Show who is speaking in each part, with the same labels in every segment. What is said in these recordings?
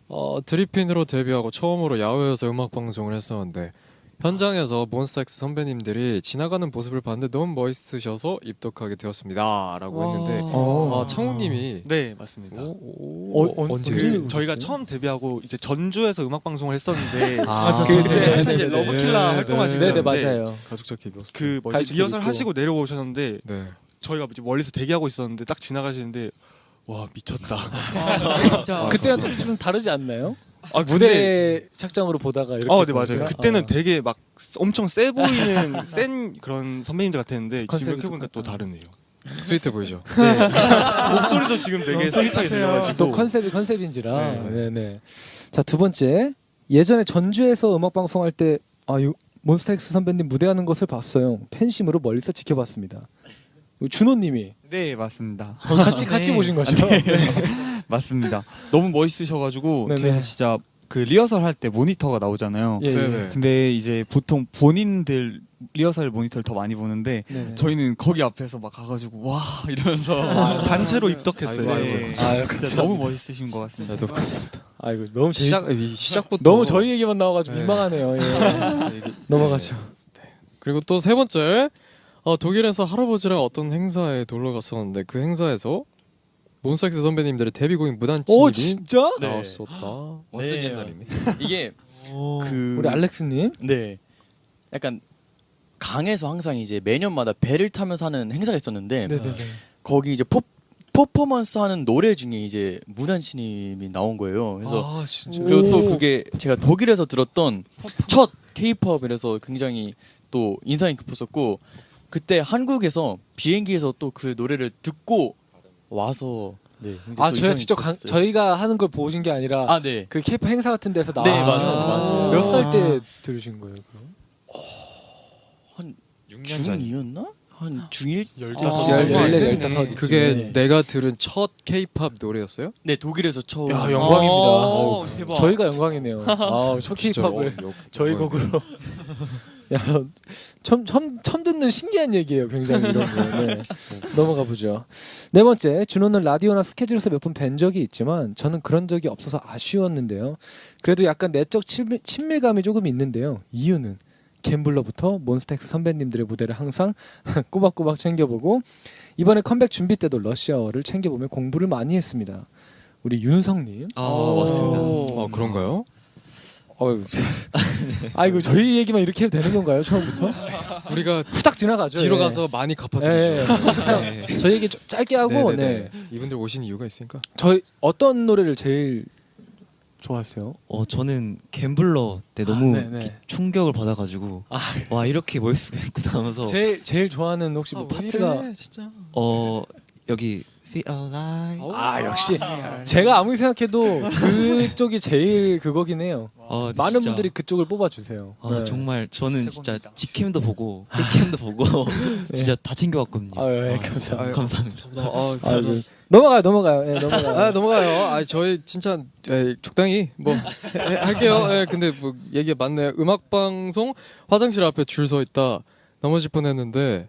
Speaker 1: 드리핀으로 데뷔하고 처음으로 야외에서 음악 방송을 했었는데 현장에서 몬스타엑스 선배님들이 지나가는 모습을 봤는데 너무 멋있으셔서 입덕하게 되었습니다라고 했는데 창우님이
Speaker 2: 네, 맞습니다.
Speaker 1: 언제?
Speaker 2: 그 저희가 처음 데뷔하고 이제 전주에서 음악 방송을 했었는데
Speaker 1: 네,
Speaker 2: 그때 이제 러브킬라 활동하시고
Speaker 3: 네네 맞아요.
Speaker 1: 가족적 KBS
Speaker 2: 그 뭐지
Speaker 3: 가이드
Speaker 2: 리허설
Speaker 3: 있고.
Speaker 2: 하시고 내려오셨는데
Speaker 1: 네.
Speaker 2: 저희가 이제 멀리서 대기하고 있었는데 딱 지나가시는데 와 미쳤다.
Speaker 4: 진짜
Speaker 3: 그때랑 또 좀 다르지 않나요?
Speaker 2: 아
Speaker 3: 무대 착장으로 보다가 이렇게.
Speaker 2: 네 맞아요.
Speaker 3: 보니까?
Speaker 2: 그때는 되게 막 엄청 세 보이는 센 그런 선배님들 같았는데 지금
Speaker 3: 컨셉이
Speaker 2: 이렇게 보니까 또 다르네요.
Speaker 1: 스위트 보이죠?
Speaker 2: 네. 목소리도 지금 되게 스윗하게 들려가지고
Speaker 3: 또 컨셉인지라.
Speaker 2: 네.
Speaker 3: 네네. 자, 두 번째. 예전에 전주에서 음악 방송할 때 몬스타엑스 선배님 무대하는 것을 봤어요. 팬심으로 멀리서 지켜봤습니다. 준호님이
Speaker 4: 네 맞습니다.
Speaker 3: 같이 보신 거죠?
Speaker 4: 맞습니다. 너무 멋있으셔가지고
Speaker 3: 네네.
Speaker 4: 뒤에서 진짜 그 리허설 할 때 모니터가 나오잖아요.
Speaker 3: 예, 예.
Speaker 1: 네네.
Speaker 4: 근데 이제 보통 본인들 리허설 모니터를 더 많이 보는데
Speaker 3: 네네.
Speaker 4: 저희는 거기 앞에서 막 가가지고 와 이러면서
Speaker 2: 단체로 입덕했어요.
Speaker 1: 아이고,
Speaker 2: 네.
Speaker 1: 아이고.
Speaker 3: 아유,
Speaker 4: 진짜 너무 멋있으신 것 같습니다.
Speaker 1: 너무 감사합니다.
Speaker 3: 아이고 너무
Speaker 1: 시작부터
Speaker 3: 너무 저희 얘기만 나와가지고
Speaker 1: 네.
Speaker 3: 민망하네요. 예.
Speaker 1: 얘기-
Speaker 3: 넘어가죠.
Speaker 1: 그리고 또 세 번째 독일에서 할아버지랑 어떤 행사에 놀러 갔었는데 그 행사에서 몬스타엑스 선배님들의 데뷔곡인 무단침입이
Speaker 3: 오 진짜?
Speaker 5: 네.
Speaker 1: 나왔었다.
Speaker 5: 완전 옛날이네. 이게 그
Speaker 3: 우리 알렉스님.
Speaker 5: 네, 약간 강에서 항상 이제 매년마다 배를 타면서 하는 행사가 있었는데
Speaker 3: 네네네.
Speaker 5: 거기 이제 퍼포먼스 하는 노래 중에 이제 무단침입이 나온 거예요. 그래서
Speaker 1: 진짜.
Speaker 5: 그리고 또 그게 제가 독일에서 들었던 첫 K-팝이라서 굉장히 또 인상이 깊었었고 그때 한국에서 비행기에서 또 그 노래를 듣고 와서 네. 굉장히 또
Speaker 3: 저희가
Speaker 5: 인상이
Speaker 3: 직접
Speaker 5: 깊었어요.
Speaker 3: 저희가 하는 걸 보신 게 아니라
Speaker 5: 아 네.
Speaker 3: 그 케이팝 행사 같은 데서 나.
Speaker 5: 네, 맞아요.
Speaker 3: 몇 살 때 들으신 거예요? 그럼?
Speaker 5: 한
Speaker 1: 6년 전.
Speaker 5: 중2였나? 한 중1?
Speaker 2: 15살.
Speaker 3: 14,
Speaker 1: 그게
Speaker 5: 네.
Speaker 1: 내가 들은 첫 K-팝 노래였어요?
Speaker 5: 네, 독일에서 처음.
Speaker 3: 야 영광입니다.
Speaker 4: 오, 대박.
Speaker 3: 저희가 영광이네요. 첫 케이팝을 저희 곡으로. 야, 처음 듣는 신기한 얘기예요. 굉장히 이런 거. 네. 넘어가 보죠. 네 번째, 준호는 라디오나 스케줄에서 몇 번 뵌 적이 있지만 저는 그런 적이 없어서 아쉬웠는데요. 그래도 약간 내적 친밀감이 조금 있는데요. 이유는 갬블러부터 몬스타엑스 선배님들의 무대를 항상 꼬박꼬박 챙겨보고 이번에 컴백 준비 때도 러시아어를 챙겨보며 공부를 많이 했습니다. 우리 윤성님.
Speaker 2: 맞습니다.
Speaker 1: 그런가요?
Speaker 3: 아이고 저희 얘기만 이렇게 해도 되는 건가요? 처음부터?
Speaker 1: 우리가
Speaker 3: 후딱 지나가죠.
Speaker 1: 뒤로
Speaker 3: 예.
Speaker 1: 가서 많이
Speaker 3: 예,
Speaker 1: 갚아드리죠.
Speaker 3: 예. 저희 얘기 좀 짧게 하고
Speaker 1: 네네네.
Speaker 3: 네.
Speaker 1: 이분들 오신 이유가 있으니까.
Speaker 3: 저희 어떤 노래를 제일 좋아하세요?
Speaker 6: 저는 갬블러 때 너무
Speaker 3: 네네.
Speaker 6: 충격을 받아가지고 와 이렇게 멋있을 수가 있구나 하면서
Speaker 3: 제일 좋아하는 혹시 뭐 파트가
Speaker 1: 진짜.
Speaker 6: 여기 Feel Alive
Speaker 3: 역시 제가 아무리 생각해도 그쪽이 제일 그거긴 해요. 많은
Speaker 6: 진짜.
Speaker 3: 분들이 그쪽을 뽑아주세요. 네.
Speaker 6: 정말 저는 진짜 직캠도 보고 풀캠도 보고 진짜 다 챙겨왔거든요.
Speaker 3: 예, 감사합니다.
Speaker 6: 감사합니다.
Speaker 3: 넘어가요. 예, 넘어가요.
Speaker 1: 넘어가요. 저희 진짜 적당히 뭐 할게요. 근데 뭐 얘기 맞네요. 음악 방송 화장실 앞에 줄 서 있다 넘어질 뻔했는데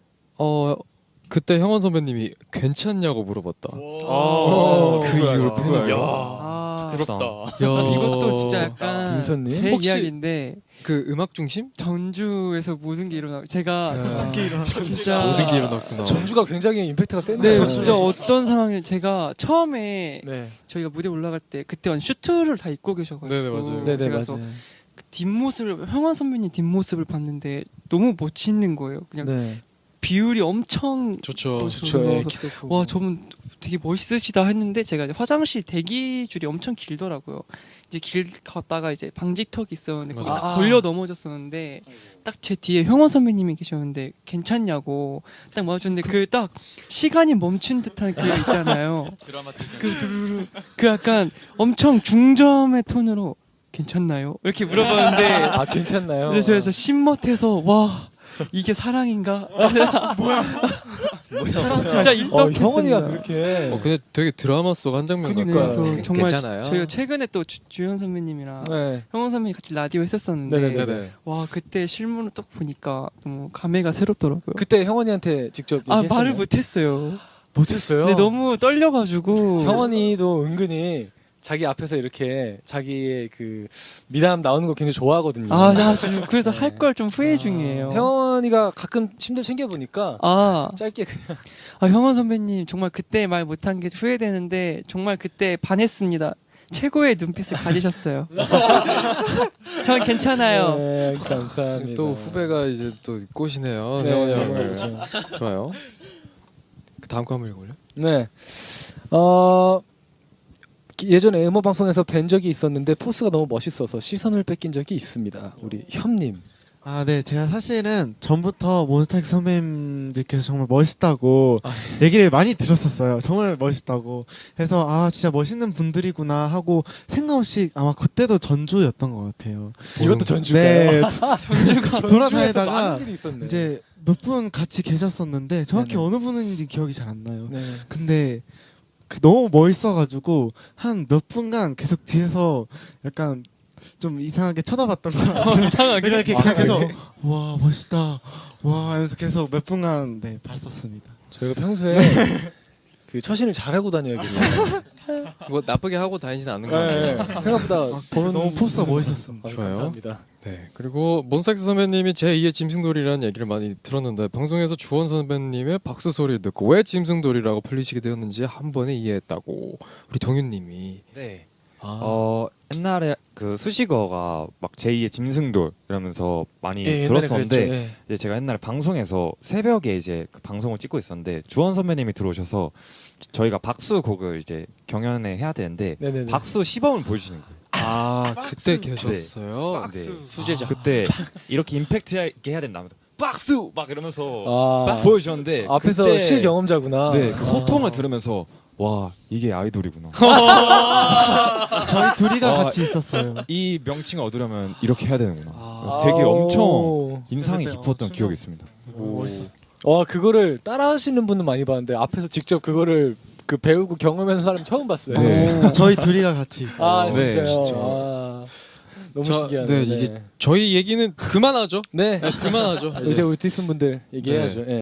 Speaker 1: 그때 형원 선배님이 괜찮냐고 물어봤다. 그 이후로 팬이.
Speaker 6: 부럽다.
Speaker 7: 이것도 진짜 약간
Speaker 3: 윤선님?
Speaker 7: 제
Speaker 1: 혹시-
Speaker 7: 이야기인데
Speaker 1: 그 음악 중심?
Speaker 7: 전주에서 모든 게 일어나 제가 진짜
Speaker 1: 모든 게 일어났구나.
Speaker 3: 전주가 굉장히 임팩트가 센데.
Speaker 7: 네 진짜 어떤 상황에 제가 처음에
Speaker 3: 네.
Speaker 7: 저희가 무대 올라갈 때 그때 슈트를 다 입고 계셔가지고
Speaker 1: 네네, 맞아요.
Speaker 3: 네네
Speaker 7: 제가
Speaker 3: 맞아요.
Speaker 7: 그 뒷모습을 형원 선배님 뒷모습을 봤는데 너무 멋있는 거예요. 그냥
Speaker 3: 네.
Speaker 7: 비율이 엄청
Speaker 1: 좋죠.
Speaker 3: 좋죠. 예,
Speaker 7: 그래서
Speaker 3: 기도 크고.
Speaker 7: 와 저분 되게 멋있으시다 했는데 제가 이제 화장실 대기 줄이 엄청 길더라고요. 이제 길 갔다가 이제 방지턱이 있었는데 거기
Speaker 1: 맞아.
Speaker 7: 딱 걸려 넘어졌었는데 딱 제 뒤에 형원 선배님이 계셨는데 괜찮냐고 딱 맞았는데 그 딱 시간이 멈춘 듯한 그 있잖아요. 그 약간 엄청 중점의 톤으로 괜찮나요? 이렇게 물어봤는데
Speaker 3: 괜찮나요?
Speaker 7: 근데 제가 진짜 신멋해서 와 이게 사랑인가? 뭐야? 진짜 입덕했습니다.
Speaker 3: 형원이가 그렇게.
Speaker 1: 근데 되게 드라마 속 한 장면
Speaker 3: 그러니까요.
Speaker 1: 같아요.
Speaker 7: 그래서 정말
Speaker 1: 괜찮아요.
Speaker 7: 저희가 최근에 또 주현 선배님이랑
Speaker 3: 네.
Speaker 7: 형원 선배님 같이 라디오 했었었는데
Speaker 3: 네네네.
Speaker 1: 네네.
Speaker 7: 와 그때 실물을 딱 보니까 너무 감회가 새롭더라고요.
Speaker 3: 그때 형원이한테 직접 얘기했어요.
Speaker 7: 말을 못했어요.
Speaker 3: 못했어요.
Speaker 7: 근데 너무 떨려가지고
Speaker 3: 형원이도 은근히 자기 앞에서 이렇게 자기의 그 미담 나오는 거 굉장히 좋아하거든요.
Speaker 7: 나 지금 그래서 할 걸 좀 후회 중이에요.
Speaker 3: 형원이가 가끔 심도 챙겨 보니까 짧게 그냥
Speaker 7: 형원 선배님 정말 그때 말 못한 게 후회되는데 정말 그때 반했습니다. 최고의 눈빛을 가지셨어요. 전 괜찮아요.
Speaker 3: 네, 감사합니다.
Speaker 1: 또 후배가 이제 또 꼬시네요.
Speaker 3: 네,
Speaker 1: 혜원이
Speaker 3: 네,
Speaker 1: 형을.
Speaker 3: 그렇죠.
Speaker 1: 좋아요. 그 다음 거 한번 읽어볼래?
Speaker 3: 네. 예전에 음악 방송에서 뵌 적이 있었는데 포스가 너무 멋있어서 시선을 뺏긴 적이 있습니다. 우리 현님.
Speaker 8: 아, 네. 제가 사실은 전부터 몬스타엑스 선배님들께서 정말 멋있다고 얘기를 많이 들었었어요. 정말 멋있다고. 그래서 아, 진짜 멋있는 분들이구나 하고 생각 없이 아마 그때도 전주였던 것 같아요.
Speaker 3: 이것도 전주가요?
Speaker 8: 네.
Speaker 3: 전주가
Speaker 8: 돌아다니다가
Speaker 3: 많은 일이 있었네.
Speaker 8: 이제 몇 분 같이 계셨었는데 정확히
Speaker 3: 네네.
Speaker 8: 어느 분인지 기억이 잘 안 나요.
Speaker 3: 네.
Speaker 8: 근데 너무 멋있어가지고 한 몇 분간 계속 뒤에서 약간 좀 이상하게 쳐다봤던 거 같아요.
Speaker 7: 이상하게?
Speaker 8: 이렇게 계속 와 멋있다 와 하면서 계속 몇 분간 네 봤었습니다.
Speaker 3: 저희가 평소에 그 처신을 잘하고 다녀야겠네요.
Speaker 1: 뭐 나쁘게 하고 다니진 않는 것
Speaker 3: 네,
Speaker 1: 같아요.
Speaker 3: 생각보다 보는
Speaker 8: 너무 포스가 멋있었습니다.
Speaker 1: 좋아요.
Speaker 3: 감사합니다.
Speaker 1: 네. 그리고 몬스타엑스 선배님이 제2의 짐승돌이라는 얘기를 많이 들었는데 방송에서 주원 선배님의 박수 소리를 듣고 왜 짐승돌이라고 불리시게 되었는지 한 번에 이해했다고 우리 동윤님이.
Speaker 9: 네.
Speaker 1: 아.
Speaker 9: 옛날에 그 수식어가 막 제2의 짐승돌 이러면서 많이
Speaker 3: 예, 옛날에
Speaker 9: 들었었는데
Speaker 3: 그랬죠. 예.
Speaker 9: 이제 제가 옛날에 방송에서 새벽에 이제 그 방송을 찍고 있었는데 주원 선배님이 들어오셔서 저희가 박수 곡을 이제 경연에 해야 되는데
Speaker 3: 네네네.
Speaker 9: 박수 시범을 보여주시는 거예요.
Speaker 1: 아 그때
Speaker 8: 박수.
Speaker 1: 계셨어요.
Speaker 9: 네.
Speaker 5: 수제자.
Speaker 9: 그때 이렇게 임팩트 있게 해야 된다면서 박수 막 이러면서
Speaker 3: 아,
Speaker 9: 보여주셨는데
Speaker 3: 앞에서
Speaker 9: 그때
Speaker 3: 실경험자구나.
Speaker 9: 네, 그 호통을 들으면서 와 이게 아이돌이구나.
Speaker 8: 저희 둘이가
Speaker 9: 아,
Speaker 8: 같이 있었어요.
Speaker 9: 이 명칭을 얻으려면 이렇게 해야 되는구나.
Speaker 3: 아.
Speaker 9: 되게 엄청
Speaker 3: 오.
Speaker 9: 인상이
Speaker 8: 그때
Speaker 9: 깊었던
Speaker 8: 엄청
Speaker 9: 기억이 있습니다.
Speaker 8: 멋있었어.
Speaker 3: 와 그거를 따라하시는 분은 많이 봤는데 앞에서 직접 그거를 그 배우고 경험하는 사람 처음 봤어요.
Speaker 9: 네.
Speaker 8: 저희 둘이가 같이 있어요.
Speaker 3: 아
Speaker 9: 네,
Speaker 3: 진짜요.
Speaker 1: 진짜.
Speaker 3: 아, 너무
Speaker 1: 저-
Speaker 3: 신기하네.
Speaker 1: 네, 이제 저희 얘기는 그만하죠.
Speaker 3: 네.
Speaker 1: 그만하죠.
Speaker 3: 이제 우리 디슨 분들 얘기해야죠. 예.